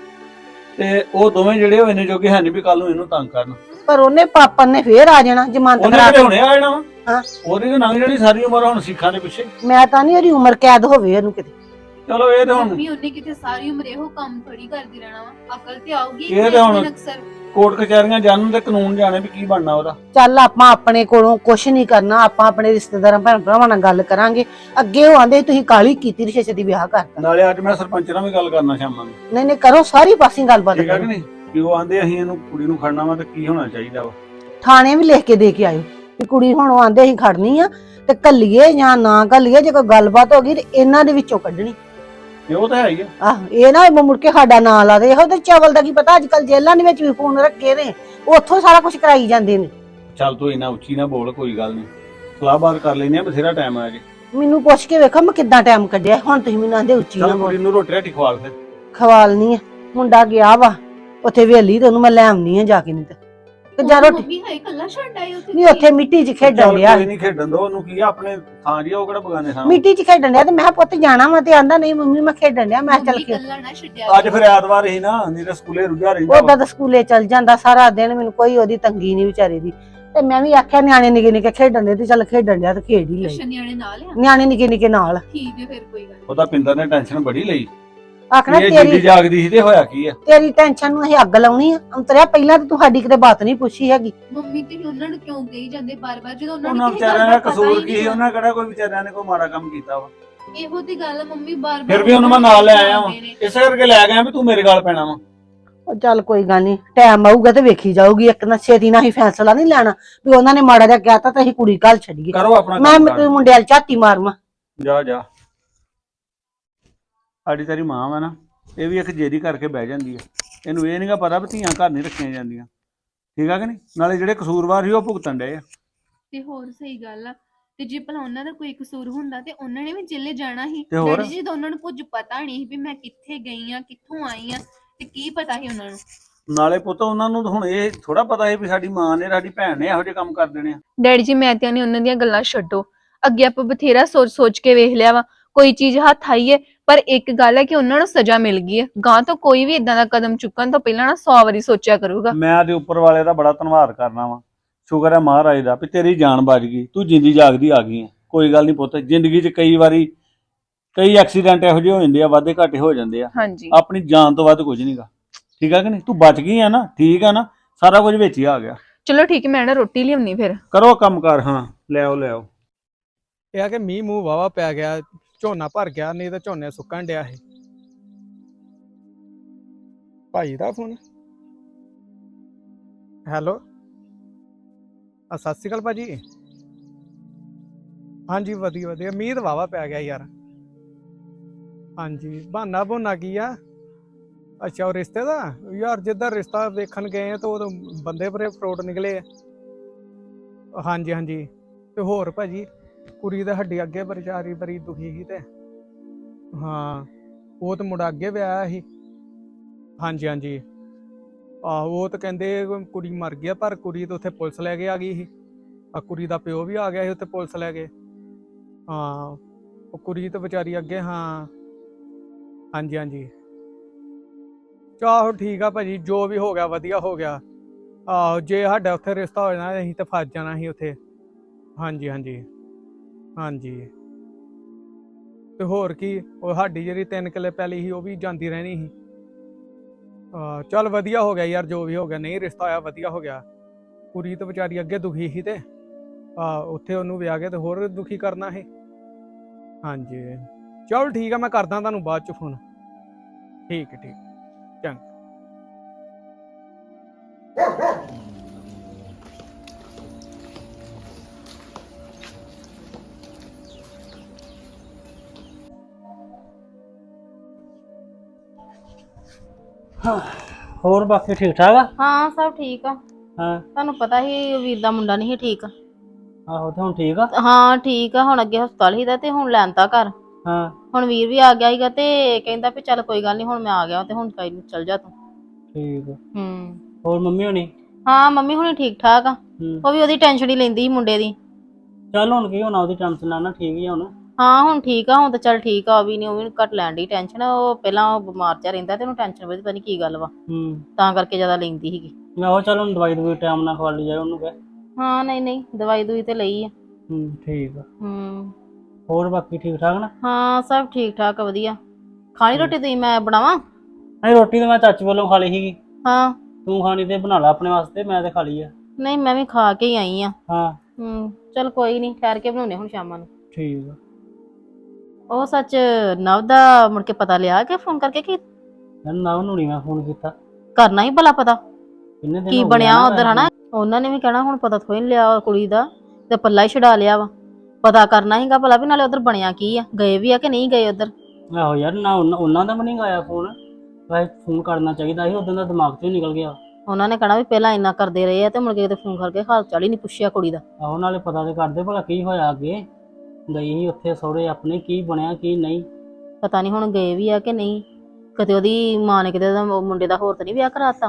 ਤੇ ਉਹ ਦੋਵੇਂ ਜਿਹੜੇ ਉਹ ਇੰਨੇ ਜੋਗੇ ਹੈ ਨਹੀਂ ਵੀ ਕੱਲ ਨੂੰ ਇਹਨੂੰ ਤੰਗ ਕਰਨ।
ਪਰ ਉਹਨੇ ਪਾਪਾ ਨੇ ਫੇਰ ਆ ਜਾਣਾ ਜਮਾਨਤ
ਉਹਨੇ
ਕਰਾ
ਕਿਹੜੇ
ਕੇ।
ਹੁਣੇ ਆ ਜਾਣਾ ਵਾ।
ਹਾਂ।
ਉਹਦੀ ਤਾਂ ਲੰਘ ਜਾਣੀ ਸਾਰੀ ਉਮਰ ਹੁਣ ਸਿੱਖਾਂ ਦੇ ਪਿੱਛੇ।
ਮੈਂ ਤਾਂ ਨਹੀਂ ਉਹਦੀ ਉਮਰ ਕੈਦ ਹੋਵੇ ਇਹਨੂੰ ਕਿਤੇ।
ਚਲੋ ਇਹ ਤੇ ਹੁਣ
ਮੰਮੀ ਉਹਨੇ ਕਿਤੇ ਸਾਰੀ ਉਮਰ ਇਹੋ ਕੰਮ ਥੋੜੀ ਕਰਦੀ ਰਹਿਣਾ ਵਾ, ਅਕਲ ਤੇ ਆਊਗੀ
ਇਹ ਤੇ ਹੁਣ-
ਅਕਸਰ।
ਕੋਰਟ ਕਚਹਿਰੀਆਂ ਜਾਣਨ ਤੇ ਕਾਨੂੰਨ ਜਾਣੇ ਵੀ ਕੀ ਬਣਨਾ ਉਹਦਾ।
ਚੱਲ ਆਪਾਂ ਆਪਣੇ ਕੋਲੋਂ ਕੁਛ ਨਹੀਂ ਕਰਨਾ, ਆਪਾਂ ਆਪਣੇ ਰਿਸ਼ਤੇਦਾਰਾਂ ਭੈਣ ਭਰਾਵਾਂ ਨਾਲ ਗੱਲ ਕਰਾਂਗੇ। ਅੱਗੇ ਉਹ ਆਂਦੇ ਤੁਸੀਂ ਕਾਲੀ ਕੀਤੀ ਰਿਸ਼ਤੇ ਦੀ ਵਿਆਹ ਕਰਤਾ।
ਨਾਲੇ ਅੱਜ ਮੈਂ ਸਰਪੰਚ ਨਾਲ ਵੀ ਗੱਲ ਕਰਨਾ ਸ਼ਾਮਾਂ ਨੂੰ,
ਨਹੀਂ ਨਹੀਂ ਕਰੋ ਸਾਰੀ ਪਾਸੇ ਗੱਲਬਾਤ
ਠੀਕ ਹੈ ਕਿ
ਕਰੋ।
ਨਹੀਂ? ਕਿ ਉਹ ਆਂਦੇ ਅਸੀਂ ਇਹਨੂੰ ਕੁੜੀ ਨੂੰ ਖੜਨਾ ਵਾ ਤੇ ਕੀ ਹੋਣਾ ਚਾਹੀਦਾ ਵਾ।
ਥਾਣੇ ਵੀ ਲਿਖ ਕੇ ਦੇ ਕੇ ਆਇਓ ਵੀ ਕੁੜੀ ਹੁਣ ਉਹ ਆਂਦੇ ਅਸੀਂ ਖੜਨੀ ਆ ਤੇ ਕੱਲੀਏ ਜਾਂ ਨਾ ਕੱਲੀਏ। ਜੇ ਕੋਈ ਗੱਲਬਾਤ ਹੋ ਗਈ ਤੇ ਇਹਨਾਂ ਦੇ ਵਿੱਚੋਂ ਕੱਢਣੀ।
ਇਹ ਉਹ ਤਾਂ ਹੈ ਹੀ ਆ।
ਆਹ ਇਹ ਨਾ ਮੁੜ ਕੇ ਸਾਡਾ ਨਾਂ ਲਾ ਦੇ। ਇਹੋ ਤੇ ਚਵਲ ਦਾ ਕੀ ਪਤਾ, ਅੱਜ ਕੱਲ ਜੇਲ੍ਹਾਂ ਦੇ ਵਿੱਚ ਵੀ ਫੋਨ ਰੱਖੇ ਨੇ, ਉੱਥੋਂ ਸਾਰਾ ਕੁਝ ਕਰਾਈ ਜਾਂਦੇ ਨੇ।
ਚੱਲ ਤੂੰ ਇੰਨਾ ਉੱਚੀ ਨਾ ਬੋਲ, ਕੋਈ ਗੱਲ ਨਹੀਂ, ਸਲਾਹਬਾਤ ਕਰ ਲੈਨੇ ਆ, ਬਥੇਰਾ ਟਾਈਮ ਆ ਜੇ।
ਮੈਨੂੰ ਪੁੱਛ ਕੇ ਵੇਖੋ ਮੈਂ ਕਿੱਦਾਂ ਟਾਈਮ ਕੱਢਿਆ। ਹੁਣ ਤੁਸੀਂ ਮੈਨੂੰ ਆਂਦੇ ਉੱਚੀ ਨਾ
ਚੱਲ
ਬੋਲ।
ਕੁੜੀ ਨੂੰ ਰੋਟੀ ਰਾਟੀ ਖਵਾਲ ਫਿਰ।
ਖਵਾਲਨੀ ਆ, ਮੁੰਡਾ ਗਿਆ ਵਾ ਉੱਥੇ ਵੇਲੀ ਤੇ ਉਹਨੂੰ ਮੈਂ ਲੈ ਆਉਣੀ ਆ ਜਾ ਕੇ। ਨਹੀਂ ਤੇ ਜਾਂ ਰੋਟੀ
ਮੰਮੀ ਹਾਈ ਕੱਲਾ ਛੱਡ ਆਏ ਉੱਥੇ।
ਨਹੀਂ ਉੱਥੇ ਮਿੱਟੀ 'ਚ ਖੇਡਣ
ਚੱਲ
ਡਿਆ
ਕੋਈ ਨਹੀਂ, ਖੇਡਣ ਦੋ ਉਹਨੂੰ, ਕੀ ਆ ਆਪਣੇ ਥਾਂ ਜੀ, ਉਹ ਕਿਹੜਾ ਬਗਾਨੇ ਥਾਂ।
ਮਿੱਟੀ 'ਚ ਖੇਡਣ ਡਿਆ ਤੇ ਮੈਂ ਕਿਹਾ ਪੁੱਤ ਜਾਣਾ ਵਾ ਤੇ ਆਂਦਾ ਨਹੀਂ ਮੰਮੀ ਮੈਂ ਖੇਡਣ ਡਿਆ। ਮੈਂ ਕਿਹਾ ਚੱਲ
ਮੰਮੀ
ਕੇ
ਕੱਲਾ ਨਾ ਛੱਡਿਆ
ਅੱਜ ਫਿਰ ਐਤਵਾਰ ਹੀ ਨਾ, ਨਹੀਂ ਤਾਂ ਸਕੂਲੇ ਰੁੱਝਾ ਰਹਿੰਦਾ
ਉਹਦਾ ਤਾਂ ਸਕੂਲੇ ਚੱਲ ਜਾਂਦਾ ਸਾਰਾ ਦਿਨ, ਮੈਨੂੰ ਕੋਈ ਉਹਦੀ ਤੰਗੀ ਨਹੀਂ ਵਿਚਾਰੀ ਦੀ। ਤੇ ਮੈਂ ਵੀ ਆਖਿਆ ਨਿਆਣੇ ਨਿੱਕੇ ਨਿੱਕੇ ਖੇਡਣ ਦੇ ਤੇ ਚੱਲ ਖੇਡਣ ਡਿਆ ਤੇ ਖੇਡ ਹੀ ਲਈ।
ਨਿਆਣੇ ਨਾਲ ਆ।
ਨਿਆਣੇ ਨਿੱਕੇ ਨਿੱਕੇ ਨਾਲ
ਠੀਕ ਹੈ ਫਿਰ ਕੋਈ ਗੱਲ
ਉਹਦਾ ਪਿੰਦਰ ਨੇ ਟੈਨਸ਼ਨ ਬੜੀ ਲਈ।
ਆਖਣਾ
ਇਹ ਜਿੱਦੀ
ਤੇਰੀ
ਜਾਗਦੀ ਸੀ ਤੇ ਹੋਇਆ ਕੀ ਆ।
ਤੇਰੀ ਟੈਨਸ਼ਨ ਨੂੰ ਅਸੀਂ ਅੱਗ ਲਾਉਣੀ ਆ। ਅੰਤਰਿਆ ਪਹਿਲਾਂ ਤਾਂ ਤੂੰ ਸਾਡੀ ਕਿਤੇ ਬਾਤ ਨਹੀਂ ਪੁੱਛੀ ਹੈਗੀ।
ਮੰਮੀ ਤੇ ਉਹਨਾਂ ਨੂੰ ਕਿਉਂ ਕਹੀ ਜਾਂਦੇ ਬਾਰ-ਬਾਰ ਜਦੋਂ ਉਹਨਾਂ
ਉਹਨਾਂ
ਨੂੰ ਕਿਸੇ
ਵਿਚਾਰਿਆਂ
ਗੱਲ
ਦਾ
ਦਾ ਪਤਾ
ਕਸੂਰ
ਹੀ
ਕੀ ਸੀ?
ਨਹੀਂ।
ਉਹਨਾਂ ਕਿਹੜਾ ਕੋਈ ਵਿਚਾਰਿਆਂ ਨੇ ਕੋਈ ਮਾੜਾ ਕੰਮ ਕੀਤਾ ਵਾ।
ਇਹੋ ਤੇ ਗੱਲ ਆ ਮੰਮੀ ਬਾਰ-ਬਾਰ।
ਫਿਰ ਵੀ ਉਹਨੂੰ ਮੈਂ ਨਾਲ ਲੈ ਆਇਆ ਵਾਂ, ਇਸੇ ਕਰਕੇ ਲੈ ਗਿਆ ਵੀ ਤੂੰ ਮੇਰੇ ਗੱਲ ਪੈਣਾ ਵਾ।
ਉਹ ਚੱਲ ਕੋਈ ਗੱਲ ਨਹੀਂ, ਟਾਈਮ ਆਊਗਾ ਤੇ ਵੇਖੀ ਜਾਊਗੀ। ਇੱਕ ਨਾ ਛੇਤੀ ਨਾਲ ਹੀ ਫੈਸਲਾ ਨਹੀਂ ਲੈਣਾ ਵੀ ਉਹਨਾਂ ਨੇ ਮਾੜਾ ਜਿਹਾ ਕਹਿਤਾ ਤਾਂ ਅਸੀਂ ਕੁੜੀ ਘੱਲ ਛੱਡੀਏ।
ਕਰੋ ਆਪਣਾ
ਮੈਂ
ਕੰਮ ਕਰ।
ਮੁੰਡੇ ਵਾਲ ਝਾਤੀ ਮਾਰਵਾ।
ਜਾ ਜਾ, ਸਾਡੀ ਤੇਰੀ ਮਾਂ ਵਾ ਨਾ, ਇਹ ਵੀ ਇੱਕ ਜੇਰੀ ਕਰਕੇ ਬਹਿ ਜਾਂਦੀ ਆ। ਇਹਨੂੰ ਇਹ ਨਹੀਂਗਾ ਪਤਾ ਵੀ ਧੀਆਂ ਘਰ ਨਹੀਂ ਰੱਖੀਆਂ ਜਾਂਦੀਆਂ, ਠੀਕ ਆ ਕਿ ਨਹੀਂ? ਨਾਲੇ ਜਿਹੜੇ ਕਸੂਰਵਾਰ ਸੀ ਉਹ ਭੁਗਤਣ ਡਏ ਆ।
ਤੇ ਹੋਰ ਸਹੀ ਗੱਲ ਆ। ਤੇ ਜੇ ਭਲਾ ਉਹਨਾਂ ਦਾ ਕੋਈ ਕਸੂਰ ਹੁੰਦਾ ਤੇ ਉਹਨਾਂ ਨੇ ਵੀ ਜੇਲੇ ਜਾਣਾ ਸੀ।
ਤੇ ਹੋਰ?
ਡੈਡੀ ਜੀ ਤਾਂ ਉਹਨਾਂ ਨੂੰ ਕੁਝ ਪਤਾ ਨਹੀਂ ਸੀ ਵੀ ਮੈਂ ਕਿੱਥੇ ਗਈ ਆ, ਕਿੱਥੋਂ ਆਈ ਆ, ਤੇ ਕੀ ਪਤਾ ਸੀ ਉਹਨਾਂ ਨੂੰ।
ਨਾਲੇ ਪੁੱਤ ਉਹਨਾਂ ਨੂੰ ਤਾਂ ਹੁਣ ਇਹ ਥੋੜਾ ਪਤਾ ਸੀ ਵੀ ਸਾਡੀ ਮਾਂ ਨੇ ਸਾਡੀ ਭੈਣ ਨੇ ਇਹੋ ਜਿਹੇ ਕੰਮ ਕਰ ਦੇਣੇ ਆ।
ਡੈਡੀ ਜੀ ਮੈਂ ਤੇ ਨਹੀਂ ਉਹਨਾਂ ਦੀਆਂ ਗੱਲਾਂ ਛੱਡੋ, ਅੱਗੇ ਆਪਾਂ ਬਥੇਰਾ ਸੋਚ ਸੋਚ ਕੇ ਵੇਖ ਲਿਆ ਵਾ। ਕੋਈ ਚੀਜ਼ ਹੱਥ ਆਈ ਹੈ, ਪਰ ਇੱਕ ਗੱਲ ਹੈ ਕਿ ਉਹਨਾਂ ਨੂੰ ਸਜ਼ਾ ਮਿਲ ਗਈ ਹੈ। ਗਾਂ ਤੋਂ ਕੋਈ ਵੀ ਇਦਾਂ ਦਾ ਕਦਮ ਚੁੱਕਣ ਤੋਂ ਪਹਿਲਾਂ ਨਾ ਸੌ ਵਾਰੀ ਸੋਚਿਆ ਕਰੂਗਾ।
ਮੈਂ ਤੇ ਉੱਪਰ ਵਾਲੇ ਦਾ ਬੜਾ ਧੰਨਵਾਦ ਕਰਨਾ ਵਾ। ਸ਼ੁਕਰ ਹੈ ਮਹਾਰਾਜ ਦਾ ਵੀ ਤੇਰੀ ਜਾਨ ਬਚ ਗਈ, ਤੂੰ ਜਿੰਦੀ ਜਾਗਦੀ ਆ ਗਈ ਹੈ। ਕੋਈ ਗੱਲ ਨਹੀਂ ਪੁੱਤ, ਜ਼ਿੰਦਗੀ 'ਚ ਕਈ ਵਾਰੀ ਕਈ ਐਕਸੀਡੈਂਟ ਇਹੋ ਜਿਹੇ ਹੋ ਜਾਂਦੇ ਆ, ਵਾਧੇ ਘਾਟੇ ਹੋ ਜਾਂਦੇ ਆ।
ਹਾਂਜੀ
ਆਪਣੀ ਜਾਨ ਤੋਂ ਵੱਧ ਕੁਝ ਨਹੀਂਗਾ। ਠੀਕ ਆ ਕਿ ਨਹੀਂ? ਤੂੰ ਬਚ ਗਈ ਆ ਨਾ, ਠੀਕ ਆ ਨਾ, ਸਾਰਾ ਕੁਝ ਵਿੱਚ ਹੀ ਆ ਗਿਆ।
ਚਲੋ ਠੀਕ ਹੈ, ਮੈਂ ਨਾ ਰੋਟੀ ਲਿਆਉਣੀ ਫਿਰ।
ਕਰੋ ਕੰਮ ਕਰ। ਹਾਂ ਲੈ ਆਓ ਲੈ ਆਓ।
ਇਹ ਆ ਕਿ ਮੀਂਹ ਮੂੰਹ ਵਾਵਾ ਪੈ ਗਿਆ, ਝੋਨਾ ਭਰ ਗਿਆ, ਨਹੀਂ ਤਾਂ ਝੋਨੇ ਸੁੱਕਣ ਡਿਆ ਸੀ। ਭਾਈ ਦਾ ਫੋਨ। ਹੈਲੋ, ਆ ਸਤਿ ਸ਼੍ਰੀ ਅਕਾਲ ਭਾਜੀ। ਹਾਂਜੀ ਵਧੀਆ ਵਧੀਆ, ਮੀਂਹ ਤਾਂ ਵਾਵਾ ਪੈ ਗਿਆ ਯਾਰ। ਹਾਂਜੀ, ਬਹਾਨਾ ਬਹਾਨਾ ਕੀ ਆ? ਅੱਛਾ, ਉਹ ਰਿਸ਼ਤੇ ਦਾ ਯਾਰ, ਜਿੱਦਾਂ ਰਿਸ਼ਤਾ ਵੇਖਣ ਗਏ ਆ ਤਾਂ ਉਹ ਬੰਦੇ ਬਰੇ ਫਰੋਡ ਨਿਕਲੇ ਆ। ਹਾਂਜੀ ਹਾਂਜੀ, ਤੇ ਹੋਰ ਭਾਜੀ ਕੁੜੀ ਦੇ ਹੱਡੀ ਅੱਗੇ ਵਿਚਾਰੀ ਬੜੀ ਦੁਖੀ ਸੀ ਤੇ ਹਾਂ, ਉਹ ਤਾਂ ਮੁੰਡਾ ਅੱਗੇ ਵਿਆਹਿਆ ਸੀ। ਹਾਂਜੀ ਹਾਂਜੀ, ਆਹੋ ਉਹ ਤਾਂ ਕਹਿੰਦੇ ਕੁੜੀ ਮਰ ਗਈ, ਪਰ ਕੁੜੀ ਤਾਂ ਉੱਥੇ ਪੁਲਿਸ ਲੈ ਕੇ ਆ ਗਈ ਸੀ। ਆ ਕੁੜੀ ਦਾ ਪਿਓ ਵੀ ਆ ਗਿਆ ਸੀ ਉੱਥੇ ਪੁਲਿਸ ਲੈ ਕੇ। ਹਾਂ, ਉਹ ਕੁੜੀ ਤਾਂ ਵਿਚਾਰੀ ਅੱਗੇ। ਹਾਂ ਹਾਂਜੀ ਹਾਂਜੀ, ਚਾਹੋ ਠੀਕ ਆ ਭਾਜੀ, ਜੋ ਵੀ ਹੋ ਗਿਆ ਵਧੀਆ ਹੋ ਗਿਆ। ਆਹੋ, ਜੇ ਸਾਡਾ ਉੱਥੇ ਰਿਸ਼ਤਾ ਹੋ ਜਾਣਾ ਅਸੀਂ ਤਾਂ ਫਸ ਜਾਣਾ ਸੀ ਉੱਥੇ। ਹਾਂਜੀ ਹਾਂਜੀ ਹਾਂਜੀ, ਤੇ ਹੋਰ ਕੀ, ਉਹ ਸਾਡੀ ਜਿਹੜੀ ਤਿੰਨ ਕਿੱਲੇ ਪੈਲੀ ਸੀ ਉਹ ਵੀ ਜਾਂਦੀ ਰਹਿਣੀ ਸੀ। ਹਾਂ ਚੱਲ ਵਧੀਆ ਹੋ ਗਿਆ ਯਾਰ, ਜੋ ਵੀ ਹੋ ਗਿਆ। ਨਹੀਂ ਰਿਸ਼ਤਾ ਹੋਇਆ ਵਧੀਆ ਹੋ ਗਿਆ। ਕੁੜੀ ਤਾਂ ਵਿਚਾਰੀ ਅੱਗੇ ਦੁਖੀ ਸੀ ਤੇ ਆ ਉੱਥੇ ਉਹਨੂੰ ਵਿਆਹ ਕੇ ਤੇ ਹੋਰ ਦੁਖੀ ਕਰਨਾ ਸੀ। ਹਾਂਜੀ ਚਲ ਠੀਕ ਆ, ਮੈਂ ਕਰਦਾ ਤੁਹਾਨੂੰ ਬਾਅਦ ਚ ਫੋਨ। ਠੀਕ ਹੈ ਠੀਕ, ਚੰਗਾ।
ਹੋਰ ਬਾਕੀ ਠੀਕ ਠਾਕ ਆ?
ਹਾਂ ਸਭ ਠੀਕ ਆ।
ਹਾਂ,
ਤੁਹਾਨੂੰ ਪਤਾ ਹੀ ਵੀਰ ਦਾ ਮੁੰਡਾ ਨਹੀਂ ਸੀ ਠੀਕ।
ਆਹੋ ਤੇ ਹੁਣ ਠੀਕ ਆ?
ਹਾਂ ਠੀਕ ਆ, ਹੁਣ ਅੱਗੇ ਹਸਪਤਾਲ ਹੀ ਦਾ ਤੇ ਹੁਣ ਲੈਣਤਾ ਘਰ।
ਹਾਂ
ਹੁਣ ਵੀਰ ਵੀ ਆ ਗਿਆ ਸੀਗਾ ਤੇ ਕਹਿੰਦਾ ਵੀ ਚੱਲ ਕੋਈ ਗੱਲ ਨਹੀਂ, ਹੁਣ ਮੈਂ ਆ ਗਿਆ ਤੇ ਹੁਣ ਕੋਈ ਨੀ, ਚੱਲ ਜਾ ਤੂੰ।
ਠੀਕ ਆ।
ਹੂੰ,
ਹੋਰ ਮੰਮੀ ਹੋਣੀ?
ਹਾਂ ਮੰਮੀ ਹੁਣੀ ਠੀਕ ਠਾਕ ਆ।
ਹੂੰ,
ਉਹ ਵੀ ਉਹਦੀ ਟੈਨਸ਼ਨ ਹੀ ਲੈਂਦੀ ਸੀ ਮੁੰਡੇ ਦੀ।
ਚੱਲ ਹੁਣ ਕੀ ਹੋਣਾ, ਉਹਦੀ ਟੈਨਸ਼ਨ ਲੈਣਾ, ਠੀਕ ਹੀ ਆ ਹੁਣ।
ਹਾਂ ਹੁਣ ਠੀਕ ਆ, ਹੁਣ ਤਾਂ ਚੱਲ ਠੀਕ ਆ। ਉਹ ਵੀ ਨਹੀਂ ਉਹ ਵੀ ਨੀ ਘੱਟ ਲੈਣ ਦੀ ਟੈਨਸ਼ਨ। ਉਹ ਪਹਿਲਾਂ ਉਹ ਬਿਮਾਰ ਜਿਹਾ ਰਹਿੰਦਾ ਤੇ ਉਹਨੂੰ ਟੈਨਸ਼ਨ ਵਧੀ, ਪਤਾ ਨੀ ਕੀ ਗੱਲ ਵਾ,
ਹੂੰ,
ਤਾਂ ਕਰਕੇ ਜ਼ਿਆਦਾ ਲੈਂਦੀ ਸੀਗੀ।
ਮੈਂ ਉਹ ਚੱਲ ਹੁਣ ਦਵਾਈ ਦਵਾਈ ਟਾਈਮ ਨਾਲ ਖਵਾ ਲਈ ਜਾਏ ਉਹਨੂੰ ਕਹਿ।
ਹਾਂ ਨਹੀਂ ਨਹੀਂ, ਦਵਾਈ ਦੂਈ ਤੇ ਲਈ ਆ।
ਹੂੰ ਠੀਕ ਆ।
ਹੂੰ,
ਹੋਰ ਬਾਕੀ ਠੀਕ ਠਾਕ ਨਾ?
ਹਾਂ ਸਭ ਠੀਕ ਠਾਕ ਵਧੀਆ। ਖਾਣੀ ਰੋਟੀ ਤੁਸੀਂ ਮੈਂ ਬਣਾਵਾਂ?
ਨਹੀਂ ਰੋਟੀ ਤਾਂ ਮੈਂ ਚਾਚੀ ਵੱਲੋਂ ਖਾ ਲਈ ਸੀਗੀ।
ਹਾਂ,
ਤੂੰ ਖਾਣੀ ਤੇ ਬਣਾ ਲਾ ਆਪਣੇ ਵਾਸਤੇ, ਮੈਂ ਤੇ ਖਾ ਲਈ ਆ।
ਨਹੀਂ ਮੈਂ ਵੀ ਖਾ ਕੇ ਹੀ ਆਈ ਆ।
ਹਾਂ
ਹੂੰ ਚੱਲ ਕੋਈ ਨਹੀਂ, ਠਹਿਰ ਕੇ ਬਣਾਉਣੇ ਹੁਣ ਸ਼ਾਮਾਂ ਨੂੰ।
ਠੀਕ ਆ।
ਉਹ ਸੱਚ ਨਵ ਦਾ ਮੁੜ ਕੇ ਪਤਾ ਲਿਆ ਕਿ ਫੋਨ ਕਰਕੇ ਕੀ
ਮੈਨੂੰ ਨਾ ਉਹਨੂੰ ਨੀ ਮੈਂ ਫੋਨ ਕੀਤਾ।
ਕਰਨਾ ਹੀ ਭਲਾ ਪਤਾ
ਕਿੰਨੇ ਦਿਨ
ਕੀ
ਹੋ ਗਏ
ਬਣਿਆ
ਨਾ
ਉਧਰ ਹਨਾ? ਉਹਨਾਂ ਨੇ ਵੀ ਕਹਿਣਾ ਹੁਣ ਪਤਾ ਥੋੜੀ ਨੀ ਲਿਆ ਕੁੜੀ ਦਾ, ਤੇ ਪੱਲਾ ਹੀ ਛਡਾ ਲਿਆ ਵਾ। ਪਤਾ ਕਰਨਾ ਸੀਗਾ ਭਲਾ ਵੀ ਨਾਲੇ ਉਧਰ ਬਣਿਆ ਕੀ ਆ, ਗਏ ਵੀ ਆ ਕਿ ਨਹੀਂ ਗਏ ਉਧਰ।
ਆਹੋ ਯਾਰ, ਨਾ ਉਹਨਾਂ ਉਹਨਾਂ ਦਾ ਵੀ ਨਹੀਂ ਆਇਆ ਫੋਨ। ਵੈਸੇ ਫੋਨ ਕਰਨਾ ਚਾਹੀਦਾ ਸੀ, ਉਦੋਂ ਦਾ ਦਿਮਾਗ ਚੋਂ ਹੀ ਨਿਕਲ ਗਿਆ।
ਉਹਨਾਂ ਨੇ ਕਹਿਣਾ ਵੀ ਪਹਿਲਾਂ ਇੰਨਾ ਕਰਦੇ ਰਹੇ ਆ ਤੇ ਮੁੜ ਕੇ ਤੇ ਫੋਨ ਕਰਕੇ ਹਾਲ ਚਾਲ ਹੀ ਨਹੀਂ ਪੁੱਛਿਆ ਕੁੜੀ ਦਾ।
ਆਹੋ ਨਾਲੇ ਪਤਾ ਤੇ ਕਰਦੇ ਭਲਾ ਕੀ ਹੋਇਆ ਅੱਗੇ। ਗਈ ਸੀ ਉੱਥੇ ਸਹੁਰੇ ਆਪਣੇ, ਕੀ ਬਣਿਆ ਕੀ ਨਹੀਂ।
ਪਤਾ ਨਹੀਂ ਹੁਣ ਗਏ ਵੀ ਆ ਕਿ ਨਹੀਂ। ਕਿਤੇ ਉਹਦੀ ਮਾਂ ਨੇ ਕਿਤੇ ਉਹਦਾ ਮੁੰਡੇ ਦਾ ਹੋਰ ਤਾਂ ਨਹੀਂ ਵਿਆਹ ਕਰਾਤਾ।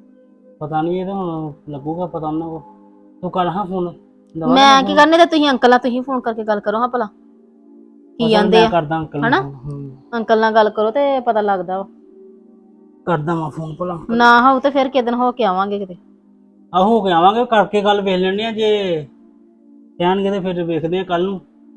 ਪਤਾ ਨਹੀਂ, ਇਹ ਤਾਂ ਹੁਣ ਲੱਗੂਗਾ ਪਤਾ ਉਹਨਾਂ ਕੋ। ਤੂੰ ਕਰ ਹਾਂ ਫੋਨ।
ਮੈਂ ਕੀ ਕਰਨੇ ਤੇ ਤੁਸੀਂ ਅੰਕਲ ਨਾਲ ਤੁਸੀਂ ਫੋਨ ਕਰਕੇ ਗੱਲ ਕਰੋ ਹਾਂ ਭਲਾ ਕੀ ਆਂਦੇ ਆ।
ਕਰਦਾ ਅੰਕਲ
ਹਨਾ? ਅੰਕਲ ਨਾਲ ਗੱਲ ਕਰੋ ਤੇ ਪਤਾ ਲੱਗਦਾ ਵਾ।
ਕਰਦਾ ਮੈਂ ਫੋਨ ਭਲਾ।
ਨਾ ਹੋਊ ਤੇ ਫਿਰ ਕਿਸ ਦਿਨ ਹੋ ਕੇ ਆਵਾਂਗੇ ਕਿਤੇ।
ਆਹੋ ਹੋ ਕੇ ਆਵਾਂਗੇ, ਕਰਕੇ ਗੱਲ ਵੇਖ ਲੈਣੇ ਆ। ਜੇ ਕਹਿਣਗੇ ਤੇ ਫਿਰ ਵੇਖਦੇ ਆ ਕੱਲ ਨੂੰ,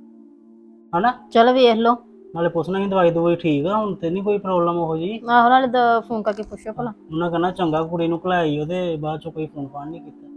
ਹਨਾ?
ਚਲ ਵੇਖ ਲਓ।
ਨਾਲੇ ਪੁੱਛਣਾ ਸੀ ਦਵਾਈ ਦਵਾਈ ਠੀਕ ਆ ਹੁਣ ਤੇ ਨਹੀਂ ਕੋਈ ਪ੍ਰੋਬਲਮ ਉਹੋ ਜੀ?
ਆਹੋ ਨਾਲੇ ਫੋਨ ਕਰਕੇ ਪੁੱਛੋ ਭਲਾ।
ਉਹਨਾਂ ਕਹਿੰਦਾ ਚੰਗਾ ਕੁੜੀ ਨੂੰ ਘਲਾਈ, ਉਹਦੇ ਬਾਅਦ ਚੋਂ ਕੋਈ ਫੋਨ ਫਾਨ ਨਹੀਂ ਕੀਤਾ।